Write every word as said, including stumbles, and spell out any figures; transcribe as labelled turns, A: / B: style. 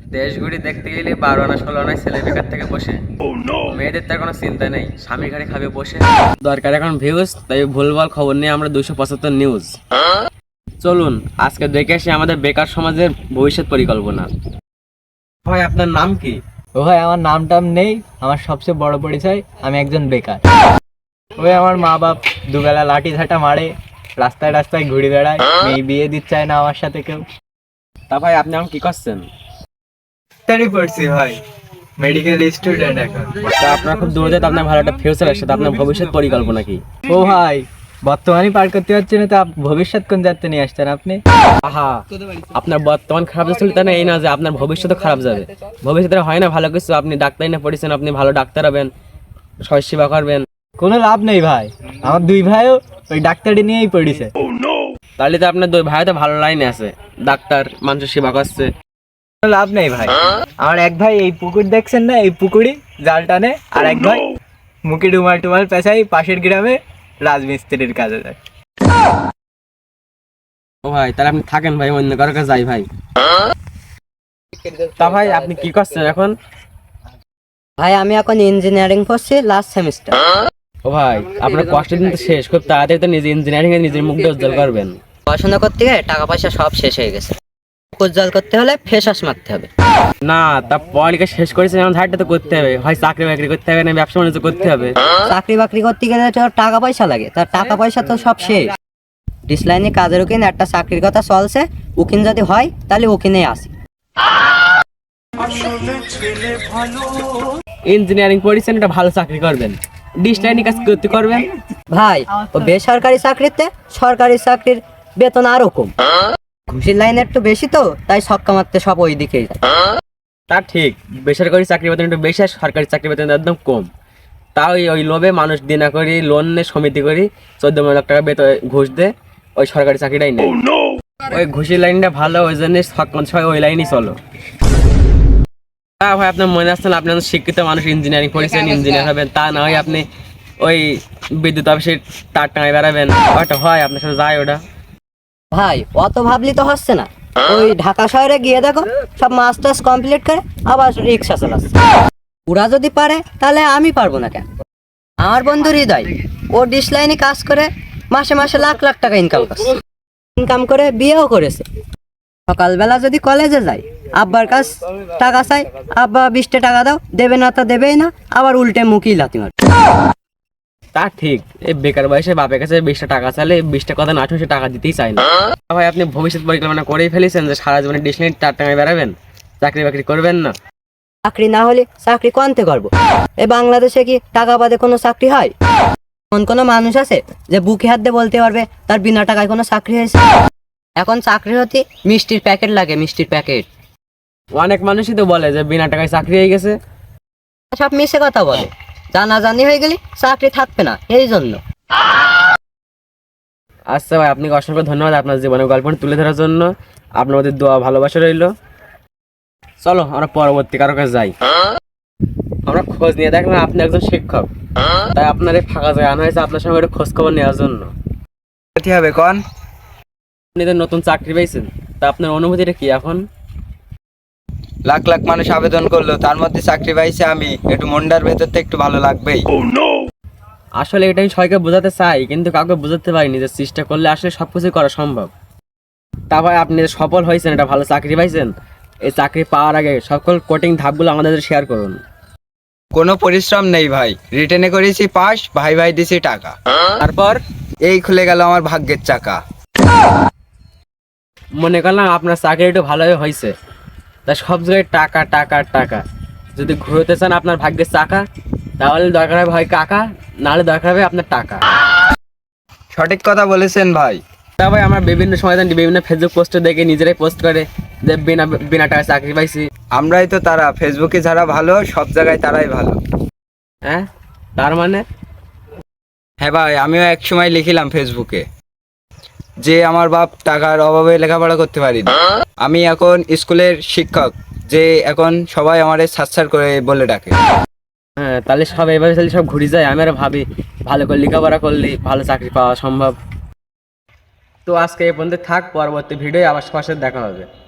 A: দেশ ঘুরি দেখতে গেলে বারো আনা ষোলো আনায় ছেলে বেকার থেকে বসে। মেয়েদের তার কোনো চিন্তা নেই, স্বামীর ঘাড়ে খাবে বসে। দরকার এখন ভিউজ, তাই ভুলভাল খবর নিয়ে আমরা দুশো পঁচাত্তর নিউজ। চলুন আজকে দেখে আসি আমাদের বেকার সমাজের ভবিষ্যৎ পরিকল্পনা। ভাই আপনার নাম কি?
B: ও ভাই আমার নাম টাম নেই, আমার সবচেয়ে বড় পরিচয় আমি একজন বেকার। ওই আমার মা বাপ দুবেলা লাঠি ঝাঁটা মারে, রাস্তায় রাস্তায় ঘুরে বেড়ায়, মেয়ে বিয়ে দিতে চায় না আমার সাথে কেউ।
A: তা ভাই আপনি এখন কি করছেন?
B: তারই পড়ছি ভাই, মেডিকেল স্টুডেন্ট এখন।
A: তা আপনার খুব দূরে যেতে আপনার ভালো একটা ফিউচার আসছে, তা আপনার ভবিষ্যৎ পরিকল্পনা কি?
B: ও ভাই বর্তমানই পার করতে পারছি না, তা ভবিষ্যৎ কোন যাত্রা নিয়ে আসছেন আপনি?
A: আহা, আপনার বর্তমান খারাপ যাচ্ছে তাই না, এই না যে আপনার ভবিষ্যৎ খারাপ যাবে। ভবিষ্যতে হয় না ভালো কিছু, আপনি ডাক্তারি না পড়েছেন, আপনি ভালো ডাক্তার হবেন, সমাজ সেবা করবেন।
B: কোনো লাভ নেই ভাই, আমার দুই ভাইও ওই ডাক্তারি নিয়েই পড়েছে।
A: তাহলে তো আপনার দুই ভাই তো ভালো লাইনে আছে, ডাক্তার, মানুষের সেবা করছে।
B: কোনো লাভ নেই ভাই, আমার এক ভাই এই পুকুর দেখছেন না, এই পুকুরি জাল টানে, আর এক ভাই মুখে ডুমাল টুমাল পেঁচাই পাশের গ্রামে রাজমিস্ত্রির কাজে যায়।
A: ও ভাই তাহলে আপনি থাকেন ভাই, অন্য কারো কাছে যাই ভাই। তা ভাই আপনি কি করছেন এখন?
C: ভাই আমি এখন ইঞ্জিনিয়ারিং পড়ছি লাস্ট সেমিস্টার।
A: ও ভাই আপনার কষ্টের দিন তো শেষ, খুব তাড়াতাড়ি তো নিজে ইঞ্জিনিয়ারিং এ নিজের মুখটা উজ্জ্বল করবেন।
C: পড়াশোনা করতে গিয়ে টাকা পয়সা সব শেষ হয়ে গেছে, উজ্জ্বল করতে হলে ফেসাস মারতে হবে।
A: না, তা পড়ালেখা শেষ করেছেন এখন ধারটা তো করতে হবে, হয় চাকরি বাকরি করতে হবে না ব্যবসা বাণিজ্য করতে হবে।
C: চাকরি বাকরি করতে গেলে তো টাকা পয়সা লাগে, তার টাকা পয়সা তো সব শেষ। ডিসলাইনে কাজের উকিন একটা চাকরির কথা চলছে, উকিন যদি হয় তাহলে উকিনেই আসি।
A: ইঞ্জিনিয়ারিং পড়েছেন, একটা ভালো চাকরি করবেন, ডিসলাইনে কাজ করতে করবেন।
C: ভাই ও বেসরকারি চাকরিতে সরকারি চাকরির বেতন আরো কম, ঘুষির লাইন একটু বেশি তো, তাই ছক্কা মারতে সব ওই দিকেই যায়।
A: তা ঠিক, বেসরকারি চাকরি বেতন একটু বেশি আর সরকারি চাকরি বেতন একদম কম। তাও ওই ওই লোভে মানুষ দিনা করি লোন নে সমিতি করি চোদ্দ লাখ টাকা বেতন ঘুষ দে, ওই সরকারি চাকরিটাই নেই। ওই ঘুষির লাইনটা ভালো, ওই জন্য সবাই ওই লাইনই চলো। তা ভাই আপনার মনে আসছেন আপনি শিক্ষিত মানুষ, ইঞ্জিনিয়ারিং পড়েছেন, ইঞ্জিনিয়ার হবেন, তা না হয় আপনি ওই বিদ্যুৎ অফিসে তার টাঙায় বেড়াবেন, ওটা হয় আপনার সাথে যায় ওটা?
C: ভাই অত ভাবলি তো হচ্ছে না, ওই ঢাকা শহরে গিয়ে দেখো সব মাস্টার্স কমপ্লিট করে আবার রিক্সা চালাচ্ছে। ওরা যদি পারে তাহলে আমি পারবো না কেন? আমার বন্ধু হৃদয় ও ডিশ লাইনে কাজ করে মাসে মাসে লাখ লাখ টাকা ইনকাম করছে, ইনকাম করে বিয়েও করেছে। সকালবেলা যদি কলেজে যাই, আব্বার কাছ টাকা চাই, আব্বা বিশটা টাকা দাও, দেবে না তা দেবেই না, আবার উল্টে মুখই লাথি মারে।
A: তা ঠিক, এই বেকার বয়সে বাপের কাছে বিশটা টাকা চাইলে বিশটা কথা না শুনে সে টাকা দিতেই চায় না। ভাই আপনি ভবিষ্যৎ পরিকল্পনা করেই ফেলেছেন যে সারা জীবনে ডিসলাইন তার টাঙায় বেড়াবেন, চাকরি বাকরি করবেন না?
C: চাকরি না হলে চাকরি কোনতে করবো? এ বাংলাদেশে কি টাকা বাদে কোনো চাকরি হয়? এমন কোনো মানুষ আছে যে বুকে হাত দিয়ে বলতে পারবে তার বিনা টাকায় কোনো চাকরি হয়েছে? এখন চাকরি হতে মিষ্টির প্যাকেট লাগে, মিষ্টির প্যাকেট।
A: অনেক মানুষই তো বলে যে বিনা টাকায় চাকরি হয়ে গেছে।
C: সব মিশে কথা বলে, জানাজানি হয়ে গেলে চাকরি থাকবে না, এই জন্য।
A: আচ্ছা ভাই, আপনাকে অসংখ্য ধন্যবাদ আপনার জীবনের গল্প তুলে ধরার জন্য। আপনার মধ্যে দোয়া ভালোবাসা রইল। চলো আমরা পরবর্তী কারো কাছে যাই। আমরা খোঁজ নিয়ে দেখলাম আপনি একজন শিক্ষক, তাই আপনার এই ফাঁকা জায়গা আনা হয়েছে আপনার সঙ্গে খোঁজ খবর নেওয়ার জন্য।
B: কি হবে কোন?
A: আপনি তো নতুন চাকরি পেয়েছেন, তা আপনার অনুভূতিটা কি এখন?
D: লাখ লাখ মানুষ আবেদন করলো, তার মধ্যে চাকরি পাইছে আমি, একটু মনটার ভেতর থেকে একটু ভালো লাগবেই।
A: আসলে এটা আমি সবাইকে বোঝাতে চাই, কিন্তু কাউকে বোঝাতে পারিনি যে চেষ্টা করলে আসলে সবকিছু করা সম্ভব। তা ভাই আপনি যে সফল হয়েছেন, এটা ভালো চাকরি পাইছেন, এই চাকরি পাওয়ার আগে সকল কোটিং ধাপগুলো আমাদের শেয়ার করুন।
D: কোনো পরিশ্রম নেই ভাই, রিটেনে করেছি পাস, ভাই ভাই দিছি টাকা,
A: তারপর
D: এই খুলে গেল আমার ভাগ্যের চাকা।
A: মনে করলাম আপনার চাকরি একটু ভালোই হয়েছে, তা সব জায়গায় টাকা টাকা টাকা। যদি ঘুরতে চান আপনার ভাগ্যের চাকা, তাহলে দরকার হবে হয় কাকা, নাহলে দরকার হবে আপনার টাকা।
D: সঠিক কথা বলেছেন ভাই।
A: তা ভাই আমরা বিভিন্ন সময় বিভিন্ন ফেসবুক পোস্টে দেখে নিজেরাই পোস্ট করে যে বিনা বিনা টাকায় চাকরি পাইছি।
D: আমরাই তো তারা, ফেসবুকে যারা ভালো সব জায়গায় তারাই ভালো।
A: হ্যাঁ, তার মানে?
D: হ্যাঁ ভাই, আমিও এক সময় লিখিলাম ফেসবুকে যে আমার বাপ টাকার অভাবে লেখাপড়া করতে পারি না, আমি এখন স্কুলের শিক্ষক, যে এখন সবাই আমারে সাচ্ছার করে বলে ডাকে।
A: হ্যাঁ, তাহলে সব এভাবে তাহলে সব ঘুরে যায়। আমি আর ভাবি ভালো করে লেখাপড়া করলে ভালো চাকরি পাওয়া সম্ভব। তো আজকে এই পর্যন্ত থাক, পরবর্তী ভিডিও আবার সবার সাথে দেখা হবে।